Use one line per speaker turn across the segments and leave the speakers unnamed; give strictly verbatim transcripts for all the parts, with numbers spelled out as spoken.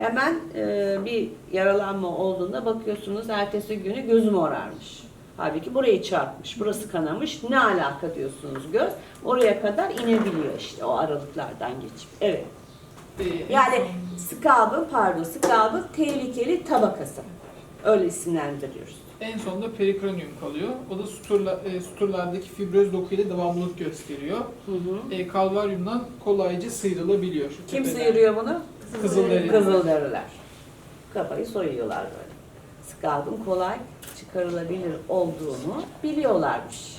Hemen e, bir yaralanma olduğunda bakıyorsunuz ertesi günü gözüm morarmış. Halbuki burayı çarpmış, burası kanamış. Ne alaka diyorsunuz göz? Oraya kadar inebiliyor işte o aralıklardan geçip. Evet.
Ee,
Yani
en
scalp'ın pardon scalp'ın tehlikeli tabakası. Öyle isimlendiriyoruz.
son- En sonunda perikranium kalıyor. O da suturla, e, suturlardaki fibroz dokuyla devamlılık gösteriyor.
Hı hı.
E, kalvaryumdan kolayca sıyrılabiliyor. Şu
Kim
tepeden.
sıyırıyor bunu?
Kızılderili.
Kızılderililer. Kafayı soyuyorlar böyle. Scalp'ın kolay çıkarılabilir olduğunu biliyorlarmış.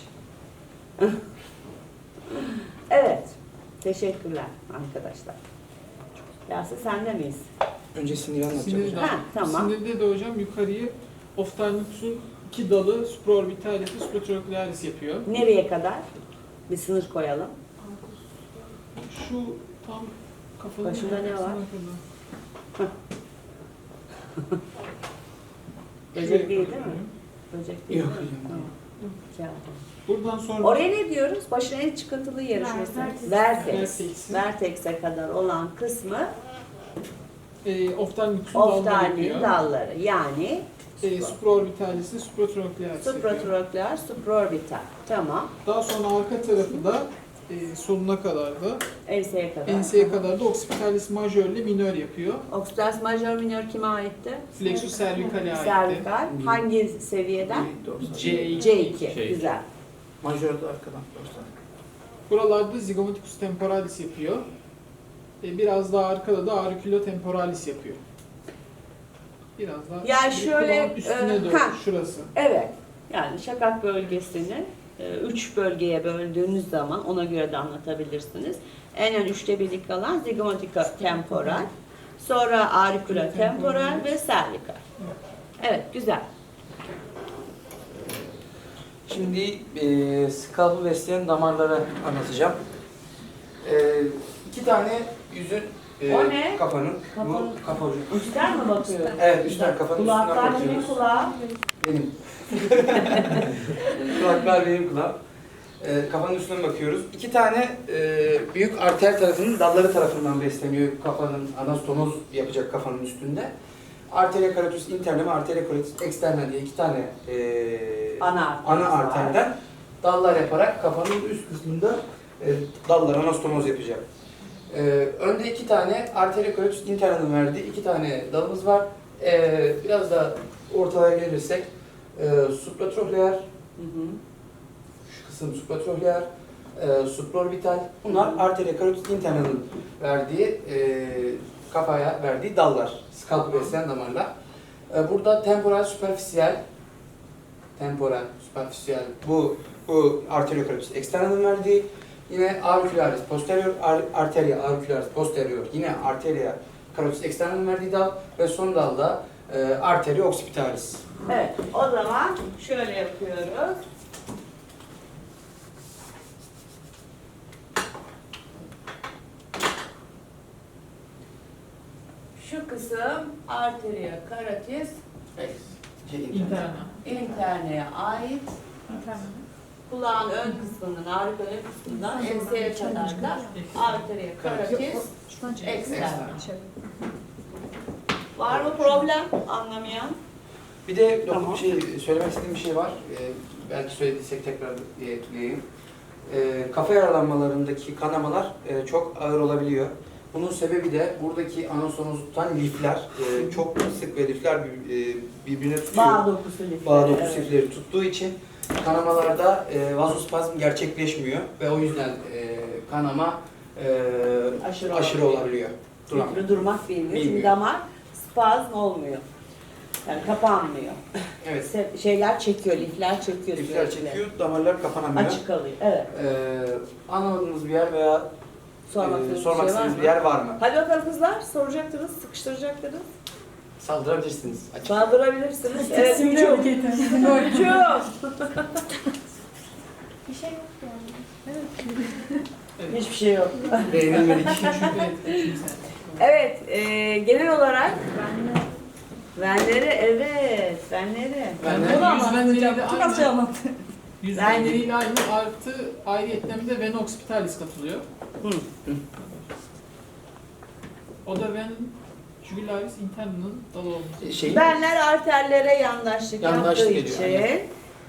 Evet. Teşekkürler arkadaşlar. Yasin sende miyiz?
Önce siniri anlatacağım
Sinirde,
hocam.
Ha, tamam.
sinirde de hocam yukarıyı oftalmikusun iki dalı supraorbitalis ve supratrochlearis yapıyor.
Nereye kadar? Bir sınır koyalım.
Şu tam kafanın
Başında ne var?
ortasına kadar.
Böcek
Şuraya
değil değil
kadar.
mi? Böcek değil
Yok
değil mi?
hocam.
Tamam. Kağıt.
Buradan sonra
Oraya ne diyoruz? Başına en çıkıntılı yeri şurası.
Vertex.
Vertex.
Vertex'i.
Vertex'e kadar olan kısmı
e, oftalmikusun dalları
oftalmin
yapıyor.
dalları. Yani
E, supraorbitalis ve supratrochlearis yapıyor.
supratrochlear, supraorbital. Tamam.
Daha sonra arka tarafı da e, sonuna kadar da
Enseye kadar.
enseye kadar da occipitalis majör ile minör yapıyor.
Occipitalis major minor kime aitti?
Flexus cervicale aitti.
Cervical. Hangi seviyeden?
C iki.
C iki.
Şey.
Güzel.
Majör de arkadan başlar.
Buralarda zygomaticus temporalis yapıyor. E, biraz daha arkada da auriculotemporalis yapıyor. Biraz daha
Ya
bir
şöyle,
kulağın üstüne
e,
doğru
ha.
şurası.
Evet. Yani şakak bölgesini e, üç bölgeye böldüğünüz zaman ona göre de anlatabilirsiniz. En ön üçte birlik kalan zygomatica temporal, sonra auricula temporal ve cervical. Evet, güzel.
Şimdi e, skalpı besleyen damarları anlatacağım. E, iki tane yüzün, e,
O ne?
kafanın,
Kafanın-
bu kafa ucu.
Üstten mi bakıyor?
Evet, üstten kafanın üstünden
Kulaklar kimin
bakıyoruz.
kulağı?
Benim. Kulaklar benim kulağım. E, kafanın üstünden bakıyoruz. İki tane e, büyük arter tarafının dalları tarafından besleniyor kafanın anastomoz yapacak kafanın üstünde. Arteria carotis interna ve arteria carotis externa diye iki tane e,
Ana arter.
ana arterden dallar yaparak kafanın üst kısmında e, dallar anastomoz yapacak. E, önde iki tane arteria carotis interna'nın verdiği iki tane dalımız var. E, biraz da ortaya gelirsek e, supratrochlear,
Hı hı.
şu kısım supratrochlear, e, supraorbital. Bunlar arteria carotis interna'nın verdiği e, kafaya verdiği dallar. Skalpı besleyen damarlar. E, burada temporal superficial, temporal superficial bu bu arteria carotis externa'nın verdiği. Yine auricularis posterior, ar- arteria auricularis posterior. Yine arteria carotis externa'nın verdiği dal ve son dalda e, arteria occipitalis.
Evet, o zaman şöyle yapıyoruz. Şu kısım arteria carotis
Şey, interna.
İnterna.
interneye ait. Kulağın ön kısmından, auricula ön kısmından enseye kadar da arteria carotis externa. Var mı problem anlamayan?
Bir de
Tamam.
şey, söylemek istediğim bir şey var. Ee, belki söylediysek tekrar ekleyeyim. Ee, kafa yaralanmalarındaki kanamalar e, çok ağır olabiliyor. Bunun sebebi de buradaki anastomozu tutan lifler. e, çok sık ve lifler bir- e, birbirine tutuyor.
Bağ dokusu lifleri.
Bağ dokusu
evet.
lifleri tuttuğu için kanamalarda e, vazospazm gerçekleşmiyor ve o yüzden e, kanama e,
Aşırı
aşırı,
olabiliyor.
olabiliyor. Duran.
Lifli durmak bilmiyor. Çünkü
Bilmiyor.
damar spazm olmuyor. Yani kapanmıyor.
Evet.
Se- Şeyler çekiyor, lifler çekiyor.
Lifler
sürekli.
çekiyor, damarlar kapanamıyor.
Açık kalıyor. Evet.
Ee, anlamadığınız bir yer veya
Sormak
e,
istediğiniz
sormak
bir şey var
istediğiniz
mı?
bir yer var mı?
Hadi bakalım kızlar. Soracaktınız, sıkıştıracaktınız.
Saldırabilirsiniz. Açık.
Saldırabilirsiniz. Evet, hücum. Hücum.
Bir şey yok yani.
Hiçbir şey yok.
Beğenilmedik.
Evet.
Evet, e, genel olarak venleri, evet, venleri.
Ben
Ben
de yüz venleriyle
Çok az şey
aynı.
anlattı.
Yüz
Ben-
venleriyle aynı artı ayrıyetten de vena occipitalis katılıyor.
Hı.
O da ven Jugularis interna'nın dalı olması.
Şey,
Benler arterlere yandaşlık,
Yandaşlık
yaptığı
ediyor,
için
aynen.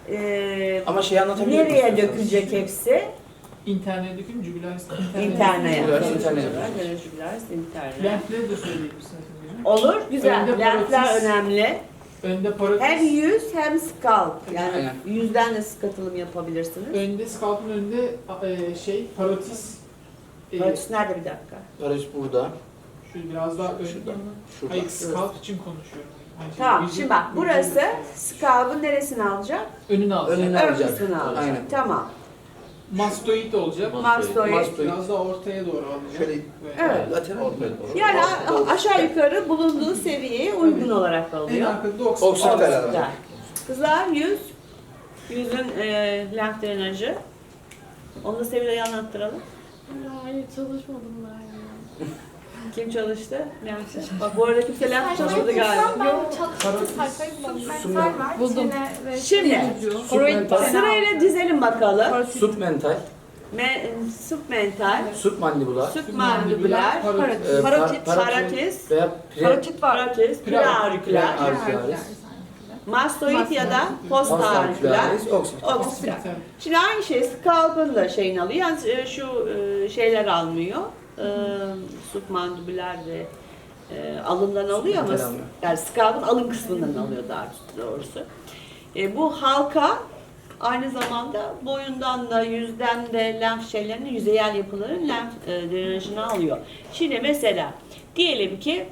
e,
ama şeyi anlatabiliyor
nereye
musunuz?
dökülecek hepsi?
İnterna'ya dökün, jugularis interna'ya.
İnternaya.
Jugularis internaya.
Jugularis internaya.
Lenfleri de söyleyebilirsiniz hocam.
Olur, güzel.
Önde
Lenfler
parotis.
önemli.
Önde parotis.
Hem yüz hem scalp. Yani
Aynen.
yüzden de skatılım yapabilirsiniz.
Önde scalp'ın önünde e, şey parotis. E,
Parotis nerede bir dakika?
Barış burada.
Şu biraz daha ön.
Şurada. Şurada.
Hayır, scalp için konuşuyorum. Yani şimdi
Tamam,
yüzü-
şimdi bak
yüzü-
burası scalp'ın neresini alacak?
önünü alacak.
Önünü
Ön
alacak.
kısmını alacak.
Aynen.
Tamam.
Mastoid olacak.
Mastoid.
Mastoid.
Biraz daha ortaya doğru alacak.
Şöyle
Böyle.
Evet.
lateral.
Yani a- aşağı yukarı bulunduğu seviyeye uygun olarak
En
alıyor.
arkada oksit.
Oksit
var.
var.
Güzel. Kızlar yüz. Yüzün e, lenf drenajı. Onu da Sevilay'a anlattıralım.
Hayır çalışmadım ben ya.
Kim çalıştı? Lenf. Bak bu arada kimse lenf çalışmadı galiba.
Yok çalıştım sayfayı bulamadım.
Submental
var.
Buldum.
Çene ve
Şimdi
Submental.
sırayla dizelim bakalım.
Submental.
Me, submental,
Submandibular.
submandibular,
Parotis.
e,
parotit,
par-
paratis,
Veya pre,
Parotit var.
paratis, preaurikular,
preauricularis.
mastoid ya da postaurikular,
Postauricularis, occipital.
occipiter. Şimdi aynı şey scalp'ın da şeyini alıyor. Yalnız e, şu e, şeyler almıyor. E, submandibular ve e, alından alıyor ama
Submental almıyor.
yani scalp'ın alın kısmından alıyor daha doğrusu. E, bu halka aynı zamanda boyundan da yüzden de lenf şeylerinin yüzeyel yapıların lenf e, drenajını alıyor. Şimdi mesela diyelim ki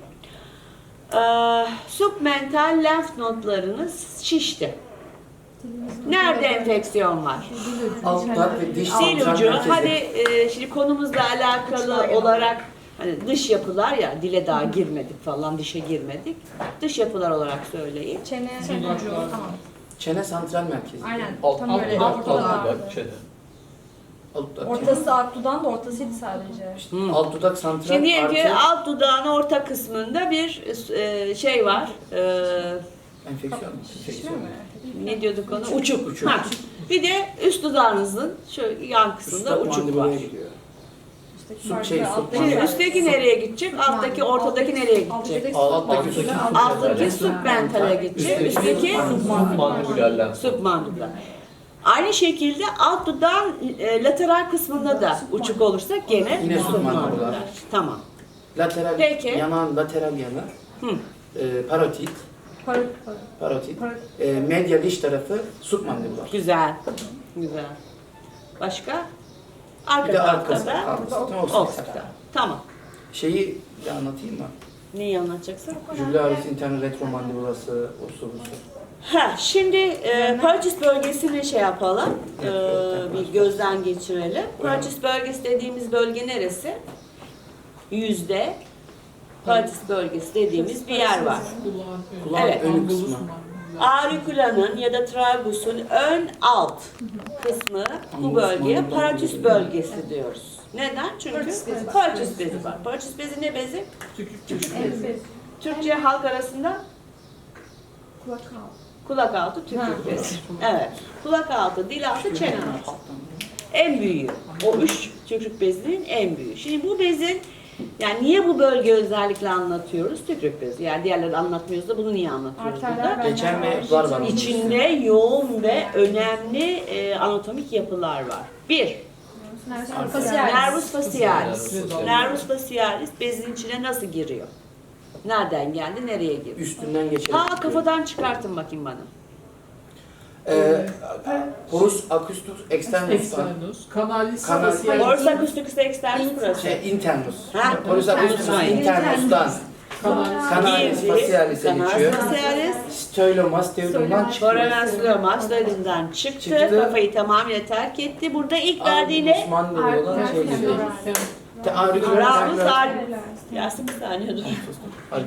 e, submental lenf nodlarınız şişti. Nerede enfeksiyon var?
Alt dudak ve diş
Dil
santral
ucu.
merkezi.
Hadi e, şimdi konumuzla alakalı olarak hani dış yapılar ya dile daha girmedik falan dişe girmedik. Dış yapılar olarak söyleyin.
Çene,
Çene ucu.
tamam.
Çene santral merkezi.
Aynen.
Alt-
Tam
alt
böyle
dudak,
alt
alt
dudak.
dudak.
Alt dudak.
Ortası alt dudağın da ortasıydı sadece.
Hı.
Alt dudak santral
Şimdi diyelim ki
artı
alt dudağın orta kısmında bir e, şey var. E,
enfeksiyon.
Şişme
Enfeksiyon.
mi?
ne diyorduk ona? Uçuk.
Uçuk.
Ha. Bir de üst dudağınızın şu yan kısmında
Üst dudak
uçuk var.
mandibulaya gidiyor.
Üstteki
Su-
farklı,
şey, su-
alttaki
Şimdi
Yani-
üstteki nereye gidecek? Alttaki, ortadaki nereye gidecek?
Alttaki
Alttaki
üstteki-
Alttaki submentale gidecek. Üstteki submandibular. Aynı şekilde alt dudağın e, lateral kısmında da uçuk olursa gene
Yine submandibular.
submandibular. Tamam.
Lateral,
Peki.
yanağın lateral yanı.
Hı.
E, parotit.
Par-
Parotit.
par-
E, medial diş tarafı submandibular.
Güzel. Güzel. Başka?
Bir
Arka
de
tarafta
arkası.
da
Arkası.
occipital. Tamam.
Şeyi de anlatayım mı?
Neyi anlatacaksın?
Jugularis interna retromandibulası, osu busu.
Ha, şimdi e, parotis bölgesini şey yapalım, e, bir gözden geçirelim. Parotis bölgesi dediğimiz bölge neresi? Yüzde. Parotis bölgesi dediğimiz bir yer var.
Kulağın önü.
Kulağın
Evet.
önü
Angulus
kısmı.
mandibula.
Auriculanın ya da tragusun ön alt kısmı bu bölgeye parotis bölgesi diyoruz. Neden? Çünkü
Parotis bezi var.
parotis bezi var. Parotis bezi ne bezi?
Tükürük tükürük.
Evet.
Türkçe halk arasında
Kulak altı.
kulak altı tükürük bezi. Evet. Kulak altı, dil altı, çene altı. En büyüğü. O üç tükürük bezinin en büyüğü. Şimdi bu bezin yani niye bu bölge özellikle anlatıyoruz? Tükürük bezi. Yani diğerleri anlatmıyoruz da bunu niye anlatıyoruz
Arterler
burada?
bence
Geçen ve
var.
var var.
İçinde yoğun ve önemli e, anatomik yapılar var. Bir,
Nervus facialis.
nervus facialis.
Nervus facialis.
Nervus facialis bezin içine nasıl giriyor? Nereden geldi, nereye girdi?
Üstünden geçerek.
Ha kafadan çıkartın bakayım bana.
Ee, porus acustus externus.
Externus. Kanalis.
Kanalis.
facialis.
Orsa acusticus externus burası.
Şey, internus.
Ha,
Porus acustus
internus.
internus'tan.
Kanalis.
Kanalis facialis'e
Kanalis
geçiyor.
facialis.
Stöylomasteum'dan çıkıyor.
Foramen çıktı,
Çıktı.
kafayı tamamıyla terk etti. Burada ilk verdiği ne?
Mandibula olan şey geliyor.
Tem-
Te auricularis
Ramus
auricularis.
al. Yasin bir saniye dur.